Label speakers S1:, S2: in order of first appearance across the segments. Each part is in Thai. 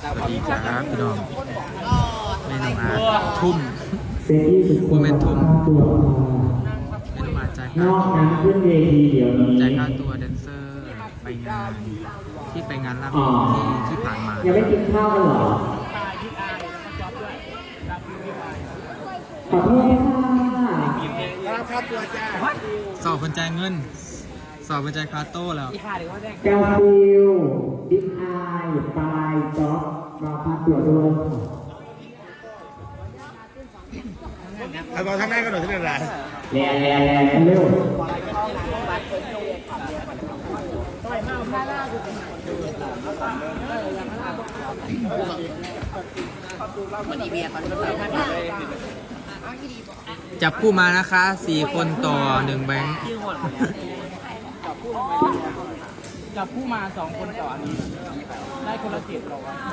S1: สวัสดีครับพี่น้องเมนูอาทุ่ม
S2: เซตที่สุด
S1: โมเมนทุ่ม
S2: ตัว
S1: เมนูอาจ่าย
S2: น
S1: ค่า
S2: อกนั้นขึ้นเวทีเดี๋ยวนี้
S1: จ่ายค่าตัวแดนเซอร์ไปงานที่ไปงานรับที่ผ่านมา
S2: ยังไม่กินข้าวกันเหรอขอโทษค่ะ
S1: สอบคนจ่ายเงิน สอบคนจ่ายค่าโต้แล้ว
S2: กาฟิลบิ๊กไอปลายจ๊อบรอพักตัวด้วย
S3: เอาบอลข้างหน้าก็หน่อยที่นั่นแหละ
S2: แรงเร็ว
S1: จับคู่มานะคะ4 คนต่อ 1 แบงค์
S4: จับผู้มา2 คนต่ออันนี้ได้คนละ7หรอวะ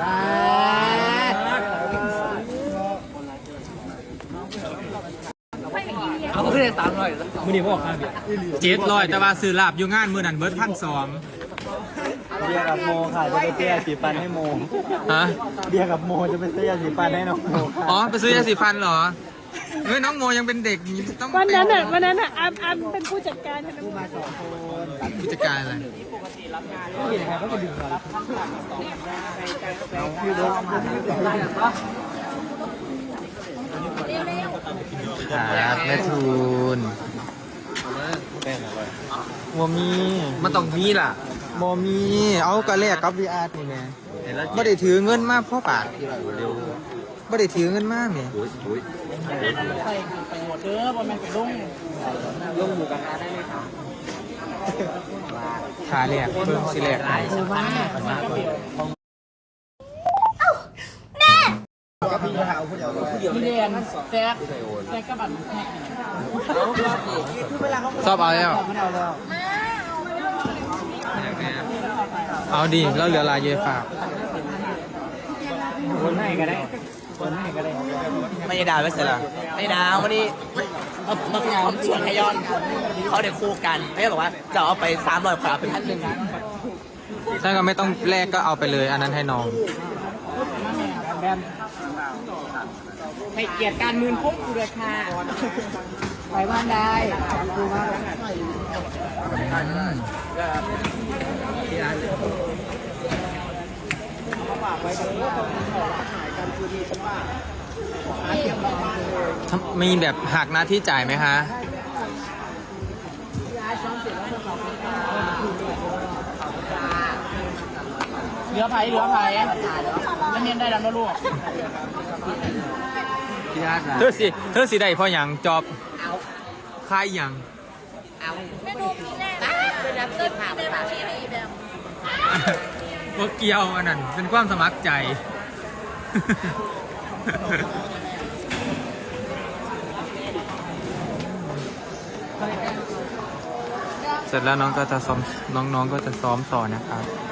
S4: เอาขึ้นเลย300มือดีบอกครับ
S1: 700แต่ว่าซื้อลาบอยู่งานมือนั้นเบิร์ด1,200
S3: เบียร์กับโมค่ะจะไปเสียสีฟันให้โม
S1: ฮะ
S3: เบียร์กับโมจะไปเสียสีฟันให้น้องโมค่ะ
S1: อ๋อไปซื้อยาสีฟันเหรอเฮ้ยน้องโมยังเป็นเด็กอยู่ต้อง
S5: วันนั้นอัมเป็นผู้จัดการใช่ไหม
S1: ผู้จัดการอะไรครับแม่ทูนโมมีมันต้องมีล่ะโมมีเอากระแลกกับวีอาร์นี่แม่ไม่ได้ถือเงินมากพ่อปากไม่ได้ถือเงินมากเนี่ย
S4: ใส่ไปหมดเด้อบอลแมนไปลงหมูกระทะได้ไหมครับ
S1: ขาแลกเพิ่มสิแลก
S4: มีเรียนแซกกระบันแท็ก
S1: ชอบเอาแล้วเอาดิแล้วเหลือลายเยฝาก
S4: คนให้ก็ได้คนให้ก็ได้
S6: ไม่ได้ดาวไม่เสร็จหรอไม่ดาววันนี้มาชวนให้ย้อนเขาเดี๋ยวคู่กันเขาบอกว่าจะเอาไป300 ขวาเป็น1,000
S1: ถ้าก็ไม่ต้องแลกก็เอาไปเลยอันนั้นให้น้อง
S4: แบมให้เกียรติการมืนพกกูเลยค่ะไปบ้านได้ดูมา
S1: มีแบบหักหน้าที่จ่ายไหมคะ
S4: เหลือไผ่ไม่เมียนได้แล้วนะลูก
S1: เธอสิได้เพราะอย่างจอบค่ายอย่าง
S5: ไม่ดูมีแน่เป็นรับเงินเต็มที่ให้แบบ
S1: ว่าเกี่ยวอันนั้นเป็นความสมัครใจ เสร็จแล้วน้องก็จะซ้อมน้องๆก็จะซ้อมต่อนะครับ